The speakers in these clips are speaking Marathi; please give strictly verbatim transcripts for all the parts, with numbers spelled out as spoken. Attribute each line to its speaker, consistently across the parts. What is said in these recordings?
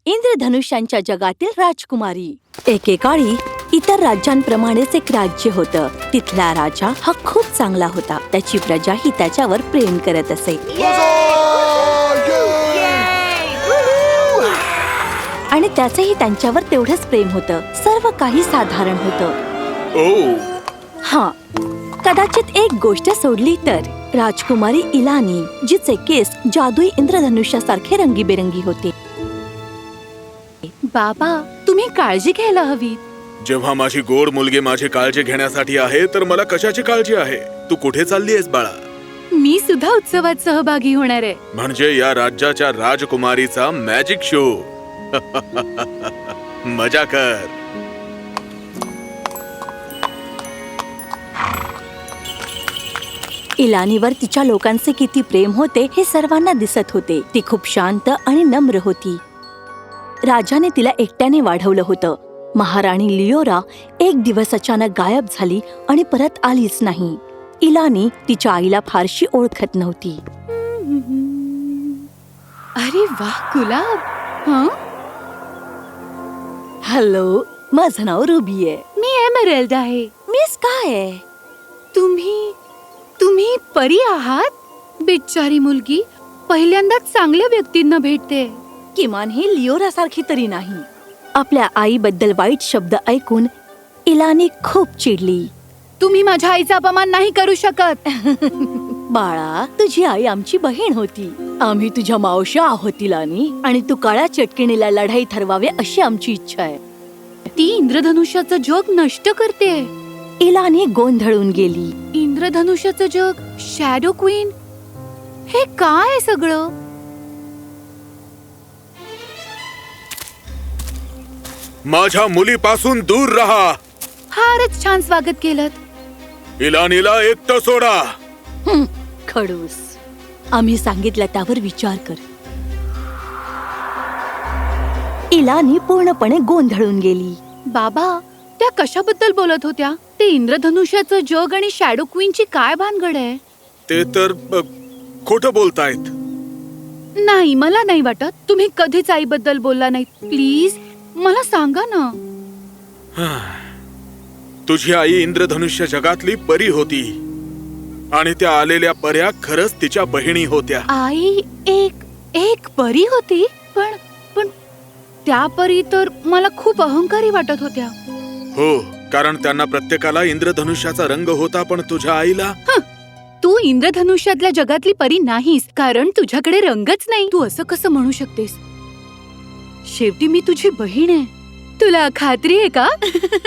Speaker 1: इंद्रधनुष्यांच्या जगातील राजकुमारी. एकेकाळी इतर राज्यांप्रमाणेच एक राज्य होतं. तिथला राजा हा खूप चांगला होता. त्याची प्रजाही त्याच्यावर प्रेम करत असे. आणि त्याचंही त्यांच्यावर तेवढंच प्रेम होतं. सर्व काही साधारण होतं. हा, कदाचित एक गोष्ट सोडली तर राजकुमारी इलानी, जिचे केस जादुई इंद्रधनुष्यासारखे रंगीबेरंगी होते. बाबा, तुम्ही काळजी घ्यायला हवी.
Speaker 2: जेव्हा माझी गोड मुलगी माझी काळजी घेण्यासाठी आहे तर मला कशाची काळजी आहे? तू कुठे चालली आहेस बाळा?
Speaker 1: मी सुद्धा उत्सवात सहभागी होणार आहे.
Speaker 2: म्हणजे या राज्याच्या राजकुमारीचा मॅजिक शो. मजा कर.
Speaker 1: इलानीवर तिच्या लोकांचे किती प्रेम होते हे सर्वांना दिसत होते. ती खूप शांत आणि नम्र होती. राजाने तिला एकट्याने वाढवलं होतं. महाराणी लिओरा एक दिवस अचानक गायब झाली आणि परत आलीच नाही. इलानी तिच्या आईला फारशी ओळखत नव्हती.
Speaker 3: अरे वाह गुलाब. हं?
Speaker 1: हॅलो, माझं नाव रुबी आहे.
Speaker 3: मी एमरेल्ड आहे.
Speaker 1: मी स्काय आहे.
Speaker 3: तुम्ही तुम्ही परी आहात? बिचारी मुलगी पहिल्यांदाच चांगल्या व्यक्तींना भेटते.
Speaker 1: किमान ही लिओरा सारखी तरी नाही. आपल्या आईबद्दल वाईट शब्द ऐकून इलानी खूप चिडली.
Speaker 3: तुम्ही माझ्या आईचा अपमान नाही करू शकत.
Speaker 1: बाळा, तुझी आई आमची बहीण होती. आम्ही तुझ्या मावश्या आहोत इलानी, आणि तू काळ्या चटकिणीला लढाई ठरवावे अशी आमची इच्छा आहे.
Speaker 3: ती इंद्रधनुष्याचं जग नष्ट करते.
Speaker 1: इलानी गोंधळून गेली.
Speaker 3: इंद्रधनुष्याचं जग, शॅडो क्वीन, हे काय सगळं?
Speaker 2: माझ्या मुलीपासून दूर राहा.
Speaker 3: फारच छान स्वागत केलं.
Speaker 2: इलानीला एकटं सोडा.
Speaker 1: हं, खडूस. आम्ही सांगितलं त्यावर विचार कर. इलानी पूर्णपणे गोंधळून गेली.
Speaker 3: बाबा, त्या कशाबद्दल बोलत होत्या? ते इंद्रधनुष्याचं जग आणि शॅडो क्वीनची काय भानगड आहे?
Speaker 2: ते तर अ, खोटं बोलतायत.
Speaker 3: नाही, मला नाही वाटत. तुम्ही कधीच आईबद्दल बोलला नाही. प्लीज मला सांगा ना.
Speaker 2: तुझी आई इंद्रधनुष्य जगातली परी होती आणि त्या आलेल्या पर्या खरंच तिच्या बहिणी होत्या.
Speaker 3: आई एक एक परी होती? पण पण त्या परी तर मला खूप अहंकारी वाटत होत्या.
Speaker 2: हो, कारण त्यांना प्रत्येकाला इंद्रधनुष्याचा रंग होता, पण तुझ्या आईला.
Speaker 3: तू इंद्रधनुष्यातल्या जगातली परी नाहीस, कारण तुझ्याकडे रंगच नाही. तू असं कसं म्हणू शकतेस? शेवटी मी तुझी बहीण आहे. तुला खात्री आहे का?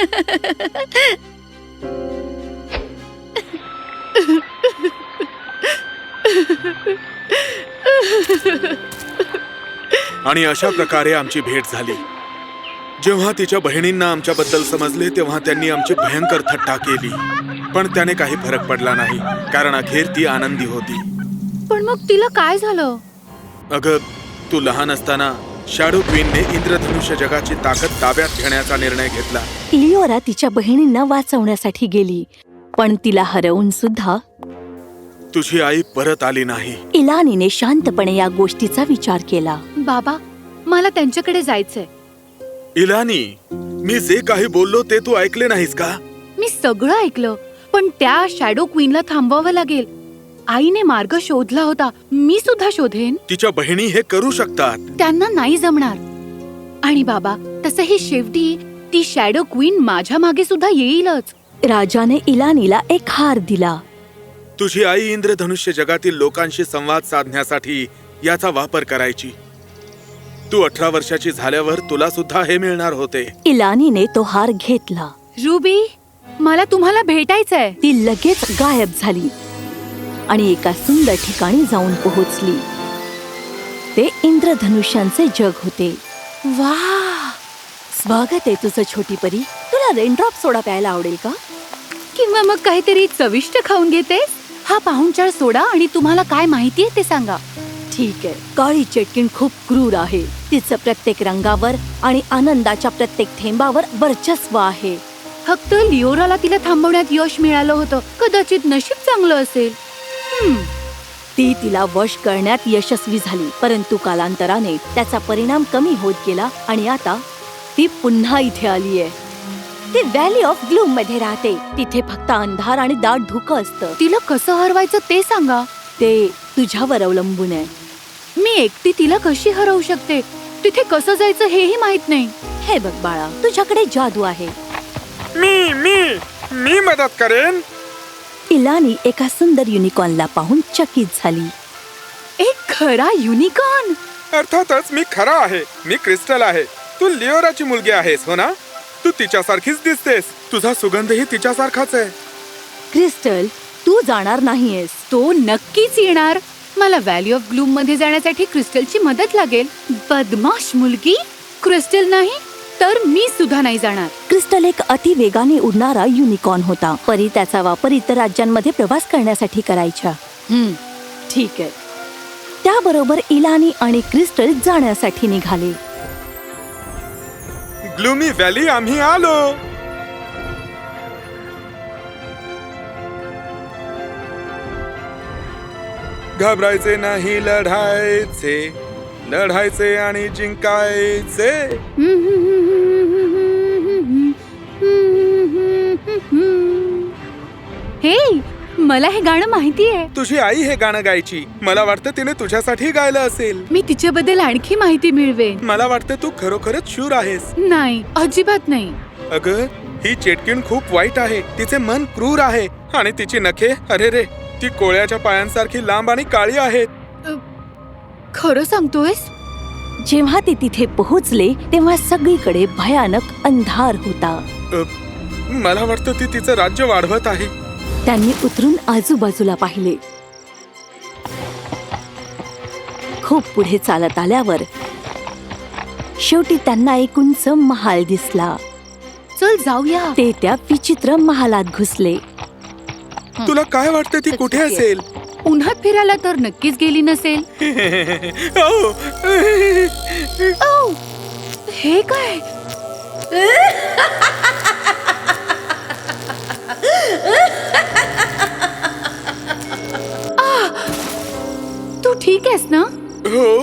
Speaker 2: आणि अशा प्रकारे आमची भेट झाली. जेव्हा तिच्या बहिणींना आमच्याबद्दल समजले तेव्हा त्यांनी आमची भयंकर थट्टा केली, पण त्याने काही फरक पडला नाही, कारण अखेर ती आनंदी होती.
Speaker 3: पण मग तिला काय झालं?
Speaker 2: अगं, तू लहान असताना शॅडो क्वीनने इंद्रधनुष्य जगाची ताकद ताब्यात घेण्याचा निर्णय घेतला.
Speaker 1: लिओरा तिच्या बहिणींना वाचवण्यासाठी गेली, पण तिला हरवून सुद्धा
Speaker 2: तुझी आई परत आली नाही.
Speaker 1: इलानीने शांतपणे या गोष्टीचा विचार केला.
Speaker 3: बाबा, मला त्यांच्याकडे जायचंय.
Speaker 2: इलानी, मी जे काही बोललो ते तू ऐकले नाहीस का?
Speaker 3: मी सगळं ऐकलं, पण त्या शॅडो क्वीनला थांबवावं लागेल. आईने मार्ग शोधला होता, मी सुद्धा शोधेन.
Speaker 2: तिच्या बहिणी हे करू शकतात.
Speaker 3: त्यांना नाही जमणार. आणि बाबा, तसंही शेवटी ती शॅडो क्वीन माझ्या मागे सुद्धा येईलच.
Speaker 1: राजाने इलानीला एक हार दिला.
Speaker 2: तुझी आई इंद्रधनुष्य जगातील लोकांशी संवाद साधण्यासाठी याचा वापर करायची. तू अठरा वर्षाची झाल्यावर तुला सुद्धा हे मिळणार होते.
Speaker 1: इलानीने तो हार घेतला.
Speaker 3: रुबी, मला तुम्हाला भेटायचंय.
Speaker 1: ती लगेच गायब झाली आणि एका सुंदर ठिकाणी जाऊन पोहोचली. ते इंद्रधनुष्यांचे जग होते.
Speaker 3: वाह,
Speaker 1: स्वागत आहे तुझं छोटी परी. तुला रेनड्रॉप सोडा प्यायला आवडेल का?
Speaker 3: किंवा मग काहीतरी चविष्ट खाऊन घेते. हा पाहुणचार सोडा आणि तुम्हाला काय माहितीये ते सांगा.
Speaker 1: ठीक आहे. काळी चटकीण खूप क्रूर आहे. तिचं प्रत्येक रंगावर आणि आनंदाच्या प्रत्येक थेंबावर वर्चस्व आहे.
Speaker 3: फक्त लिओराला तिला थांबवण्यात यश मिळालं होतं. कदाचित नशीब चांगलं असेल. हम्म
Speaker 1: ती तिला वश करण्यात यशस्वी झाली, परंतु कालांतराने त्याचा परिणाम कमी होत गेला आणि आता ती पुन्हा इथे आलीये. ती व्हॅली ऑफ ग्लूम मध्ये राहते. तिथे फक्त अंधार आणि दाट धुकं असतं.
Speaker 3: तिला कसं हरवायचं ते सांगा.
Speaker 1: ते तुझ्यावर अवलंबून आहे.
Speaker 3: मी एकटी तिला कशी हरवू शकते? तिथे कसं जायचं हेही माहित नाही.
Speaker 1: हे बघ बाळा, तुझ्याकडे जादू आहे.
Speaker 2: मी मी मी मदत करेन.
Speaker 1: इलानी एका सुंदर युनिकॉर्नला पाहून चकित झाली.
Speaker 3: एक खरा युनिकॉर्न.
Speaker 2: अर्थातच मी खरा आहे. मी क्रिस्टल आहे. तू लिओराची मुलगी आहेस हो ना? तू तिच्यासारखीच दिसतेस. तुझा सुगंधही तिच्यासारखाच आहे.
Speaker 1: क्रिस्टल, तू जाणार नाहीयेस.
Speaker 3: तो नक्कीच येणार. मला व्हॅली ऑफ ग्लूम मध्ये जाण्यासाठी क्रिस्टलची मदत लागेल. बदमाश मुलगी. क्रिस्टल नाही तर मी सुद्धा नाही जाणार.
Speaker 1: क्रिस्टल एक अति वेगाने उडणारा युनिकॉर्न होता. परी त्याचा वापर इतर राज्यांमध्ये प्रवास करण्यासाठी करायच्या. हम्म, ठीक आहे. त्याबरोबर इलानी आणि क्रिस्टल जाण्यासाठी निघाले.
Speaker 2: ग्लूमी व्हॅली आम्ही आलो. घाबरायचे नाही, लढायचे लढायचे आणि जिंकायचे.
Speaker 3: हे मला हे गाणं माहितीये.
Speaker 2: तुझी आई हे गाणं गायची. मला वाटतं तिने तुझ्यासाठी गायलं असेल.
Speaker 3: मी तिच्याबद्दल आणखी माहिती मिळवेन.
Speaker 2: मला वाटतं तू खरोखरच शूर आहेस.
Speaker 3: नाही, अजिबात नाही.
Speaker 2: अगं, ही चेटकीण खूप वाईट आहे. तिचे मन क्रूर आहे आणि तिची नखे, अरे रे, ती कोळ्याच्या पायांसारखी लांब आणि काळी आहेत.
Speaker 3: खरं सांगतोयस?
Speaker 1: जेव्हा ते तिथे पोहोचले तेव्हा सगळीकडे भयानक अंधार होता.
Speaker 2: अ, मला वाटतं ती तिचं राज्य वाढवत आहे.
Speaker 1: त्यांनी उतरून आजूबाजूला पाहिले. खूप पुढे चालत आल्यावर शेवटी त्यांना एक उंच महाल दिसला.
Speaker 3: चल जाऊया.
Speaker 1: ते त्या विचित्र महालात घुसले.
Speaker 2: तुला काय वाटतं ती कुठे असेल?
Speaker 3: उन्हात फिरायला तर नक्कीच गेली नसेल.
Speaker 2: ओ,
Speaker 3: औ, हे काय? आ, तू ठीक आहेस ना?
Speaker 2: हो.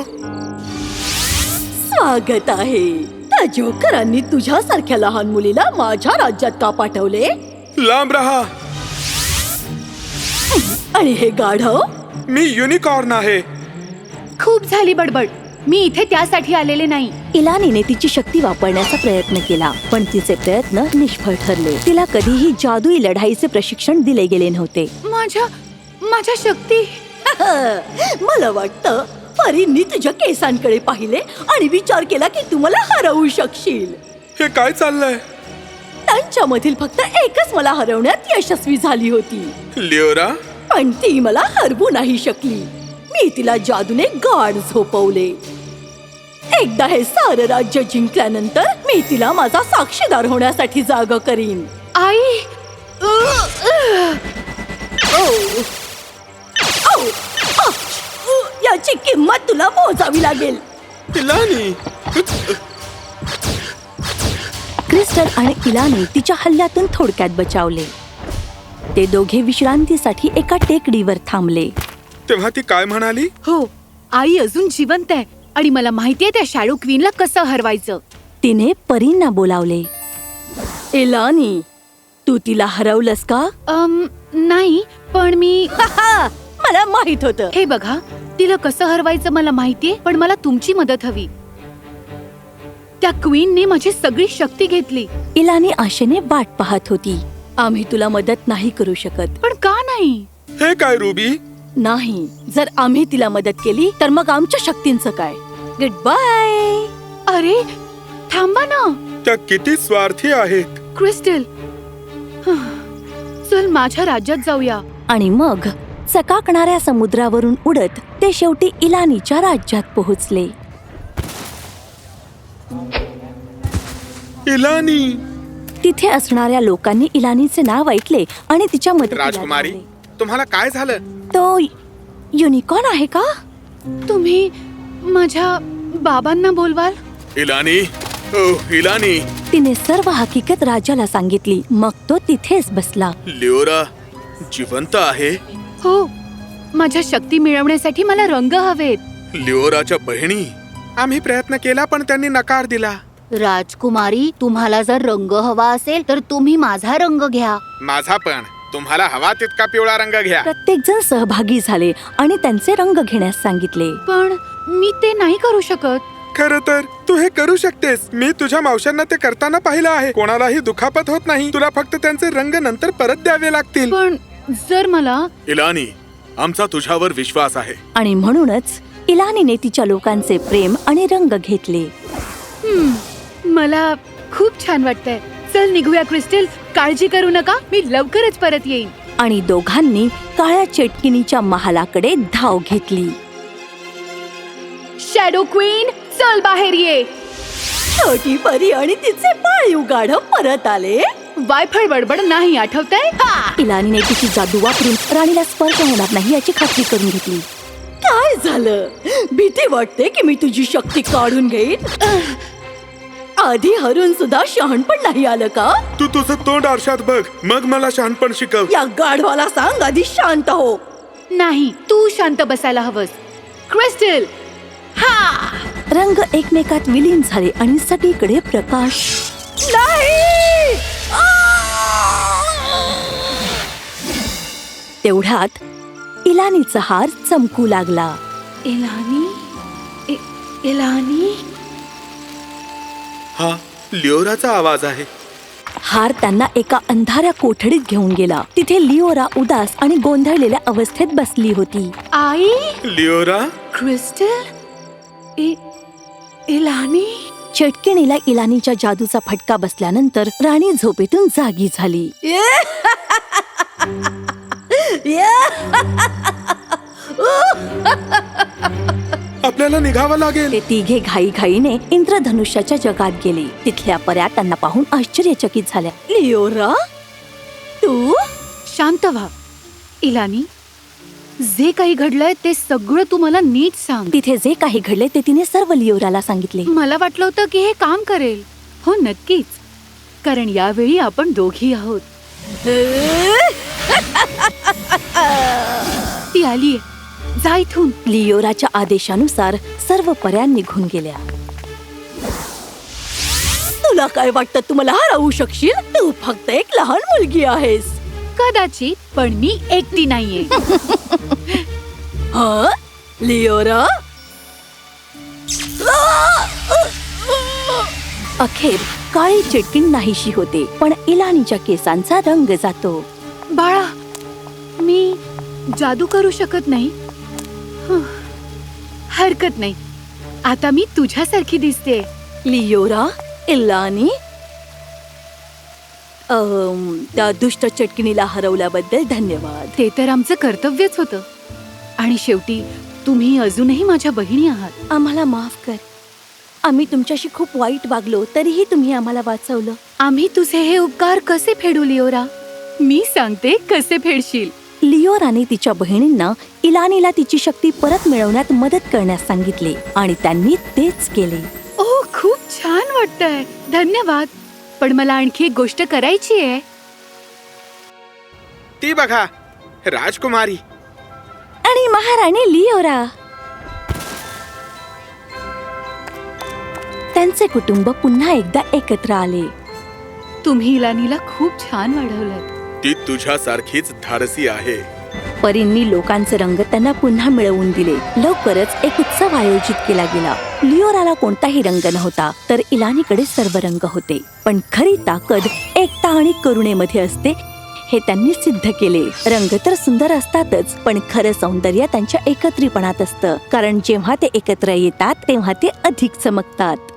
Speaker 1: स्वागत आहे. त्या जोकरांनी तुझ्यासारख्या लहान मुलीला माझ्या राज्यात का पाठवले?
Speaker 2: लांब रहा.
Speaker 1: आणि हे गाढव?
Speaker 2: मी युनिकॉर्न आहे.
Speaker 3: खूप झाली बडबड. मी इथे त्यासाठी आलेले नाही.
Speaker 1: इलानीने तिची शक्ती वापरण्याचा प्रयत्न केला, पण तिचे प्रयत्न निष्फळ ठरले. तिला कधीही जादुई लढाईचे प्रशिक्षण दिले गेले नव्हते.
Speaker 3: माझ्या माझ्या शक्ती.
Speaker 1: मला वाटतं परींनी तुझ्या केसांकडे पाहिले आणि विचार केला की तू मला हरवू शकशील.
Speaker 2: हे काय चाललंय?
Speaker 1: त्यांच्यामधील फक्त एकच मला हरवण्यात यशस्वी झाली होती,
Speaker 2: लिओरा.
Speaker 1: पण ती मला हरवू नाही शकली. मी तिला जादूने गाढ झोपवले. एकदा हे सारं राज्य जिंकल्यानंतर मी तिला माझा साक्षीदार होण्यासाठी जागा करीन.
Speaker 3: आई.
Speaker 1: ओ, ओ, आच! याची किंमत तुला मोजावी लागेल.
Speaker 2: इलानी.
Speaker 1: क्रिस्टल आणि इलानी तिच्या हल्ल्यातून थोडक्यात बचावले. ते दोघे विश्रांतीसाठी एका टेकडीवर थांबले.
Speaker 2: तेव्हा ती काय म्हणाली?
Speaker 3: हो, आई अजून जिवंत आहे आणि मला माहितीये त्या शॅडो क्वीनला कसं हरवायचं.
Speaker 1: तिने परींना बोलावले. इलानी, तू तिला हरवलंस का?
Speaker 3: अम, नाही, पण मी.
Speaker 1: मला माहित होतं.
Speaker 3: हे बघा, तिला कसं हरवायचं मला माहितीये, पण मला तुमची मदत हवी. त्या क्वीनने माझी सगळी शक्ती घेतली.
Speaker 1: इलानी आशेने वाट पाहत होती. आम्ही तुला मदत नाही करू शकत.
Speaker 3: पण का नाही?
Speaker 2: हे काय रुबी?
Speaker 1: नाही, जर आम्ही तिला मदत केली तर मग आमच्या शक्तींचं काय? Good bye.
Speaker 3: अरे थांबा ना.
Speaker 2: त्या किती स्वार्थी आहेत.
Speaker 3: क्रिस्टल, चल माझ्या राज्यात जाऊया.
Speaker 1: आणि मग चकाकणाऱ्या समुद्रावरून उडत ते शेवटी इलानीच्या राज्यात पोहोचले.
Speaker 2: इलानी.
Speaker 1: तिथे असणाऱ्या लोकांनी इलानीचे नाव ऐकले आणि तिच्या मदतीला
Speaker 2: राजकुमारी,
Speaker 1: धावले.
Speaker 2: तुम्हाला काय झालं?
Speaker 1: तो युनिकॉर्न आहे का?
Speaker 3: तुम्ही माझ्या बाबांना बोलवाल?
Speaker 2: इलानी. ओ, इलानी.
Speaker 1: तिने सर्व हकीकत राजाला सांगितली. मग तो तिथेच बसला.
Speaker 2: लिओरा जिवंत आहे?
Speaker 3: हो, माझ्या शक्ती मिळवण्यासाठी मला रंग हवेत.
Speaker 2: लिओराच्या बहिणी, आम्ही प्रयत्न केला पण त्यांनी नकार दिला.
Speaker 4: राजकुमारी, तुम्हाला जर रंग हवा असेल तर तुम्ही माझा रंग घ्या.
Speaker 2: माझा पण. तुम्हाला हवा तितका पिवळा रंग घ्या.
Speaker 1: प्रत्येक जण सहभागी झाले आणि त्यांचे रंग घेण्यास सांगितले.
Speaker 3: पण मी ते नाही करू शकत.
Speaker 2: खरं तर तू हे करू शकतेस. मी तुझ्या मावशांना ते करताना पाहिलं आहे. कोणालाही दुखापत होत नाही. तुला फक्त त्यांचे रंग नंतर परत द्यावे लागतील.
Speaker 3: पण जर मला
Speaker 2: इलानी, आमचा तुझ्यावर विश्वास आहे.
Speaker 1: आणि म्हणूनच इलानीने तिच्या लोकांचे प्रेम आणि रंग घेतले.
Speaker 3: हम्म, मला खूप छान वाटतंय. चल निघूया क्रिस्टल. काळजी करू नका, मी लवकरच परत येईन.
Speaker 1: आणि दोघांनी काळ्या चेटकिनीच्या महालाकडे धाव घेतली.
Speaker 3: शॅडो क्वीन, चल बाहेर ये.
Speaker 1: छोटी परी आणि तिचे पाळीव गाढव परत आले.
Speaker 3: वायफळ बडबड नाही, आठवतंय?
Speaker 1: इलानीने तिची जादू वापरून राणीला स्पर्श होणार नाही याची खात्री करून घेतली. काय झालं? भीती वाटते की मी तुझी शक्ती काढून घेईन? आधी हरून सुद्धा शहाणपण नाही आलं का?
Speaker 2: तू तुझं तोंड आरशात बघ, मग मला शहाणपण शिकव.
Speaker 1: या गाढवाला सांग आधी शांत हो.
Speaker 3: नाही, तू शांत बसायला हवंस. क्रिस्टल, हा.
Speaker 1: रंग एकमेकात विलीन झाले आणि सगळीकडे प्रकाश. नाही! तेवढ्यात इलानीचा हार चमकू लागला.
Speaker 3: इलानी, इ- इलानी.
Speaker 2: हा लिओराचा आवाज आहे.
Speaker 1: हार त्यांना एका अंधाऱ्या कोठडीत घेऊन गेला. तिथे लिओरा उदास आणि गोंधळलेल्या अवस्थेत बसली होती.
Speaker 3: आई,
Speaker 2: लिओरा,
Speaker 3: क्रिस्टल, इ- इलानी.
Speaker 1: चटकिणीला इलानीच्या जादूचा फटका बसल्यानंतर राणी झोपेतून जागी झाली.
Speaker 2: आपल्याला निघावं लागेल.
Speaker 1: ते तिघे घाईघाईने इंद्रधनुष्याच्या जगात गेले. तिथल्या पऱ्या त्यांना पाहून आश्चर्यचकित झाल्या. लिओरा, तू?
Speaker 3: शांत व्हा. इलानी, जे काही घडलंय ते सगळं तू मला नीट सांग.
Speaker 1: तिथे जे काही घडले ते तिने सर्व लिओराला सांगितले.
Speaker 3: मला वाटलं होतं की हे काम करेल. हो, नक्कीच, कारण यावेळी आपण दोघी आहोत. ती आलीये, जा इथून.
Speaker 1: लिओराच्या आदेशानुसार सर्व पऱ्या निघून गेल्या. तुला काय वाटतं तू मला हरवू शकशील? तू फक्त एक लहान मुलगी आहेस.
Speaker 3: कदाचित, पण मी एकटी नाहीये.
Speaker 1: हा लिओरा. अखेर काळी चिटकीण नाहीशी होते, पण इलानीच्या केसांचा रंग जातो.
Speaker 3: बाळा, मी जादू करू शकत नाही. हं, हरकत नाही. आता मी तुझ्यासारखी दिसते.
Speaker 1: लिओरा, इलानी, अम, त्या दुष्ट चटकिणीला हरवल्याबद्दल धन्यवाद.
Speaker 3: ते तर आमचं कर्तव्यच होतं. आणि शेवटी तुम्ही अजूनही माझ्या बहिणी आहात.
Speaker 1: आम्हाला माफ कर. आम्ही तुमच्याशी खूप वाईट वागलो, तरीही तुम्ही आम्हाला वाचवलं.
Speaker 3: आम्ही तुझे हे उपकार कसे फेडू लिओरा? मी सांगते कसे फेडशील.
Speaker 1: लिओराने तिच्या बहिणींना इलानीला तिची शक्ती परत मिळवण्यात मदत करण्यास सांगितले आणि त्यांनी तेच केले.
Speaker 3: ओ, खूप छान वाटतंय. धन्यवाद. पण मला आणखी एक गोष्ट करायची आहे.
Speaker 2: ती बघा, राजकुमारी.
Speaker 1: आणि महाराणी लिओरा. त्यांचे कुटुंब पुन्हा एकदा एकत्र आले.
Speaker 3: तुम्ही इलानीला खूप छान वाढवलं.
Speaker 2: ती तुझ्यासारखीच धाडसी आहे.
Speaker 1: परींनी लोकांचे रंग त्यांना पुन्हा मिळवून दिले. लवकरच एक उत्सव आयोजित केला गेला. लिओराला कोणताही रंग नव्हता, तर इलानीकडे सर्व रंग होते. पण खरी ताकद एकता आणि करुणेमध्ये असते, हे त्यांनी सिद्ध केले. रंग तर सुंदर असतातच, पण खरं सौंदर्य त्यांच्या एकत्रीपणात असतं. कारण जेव्हा ते एकत्र येतात तेव्हा ते अधिक चमकतात.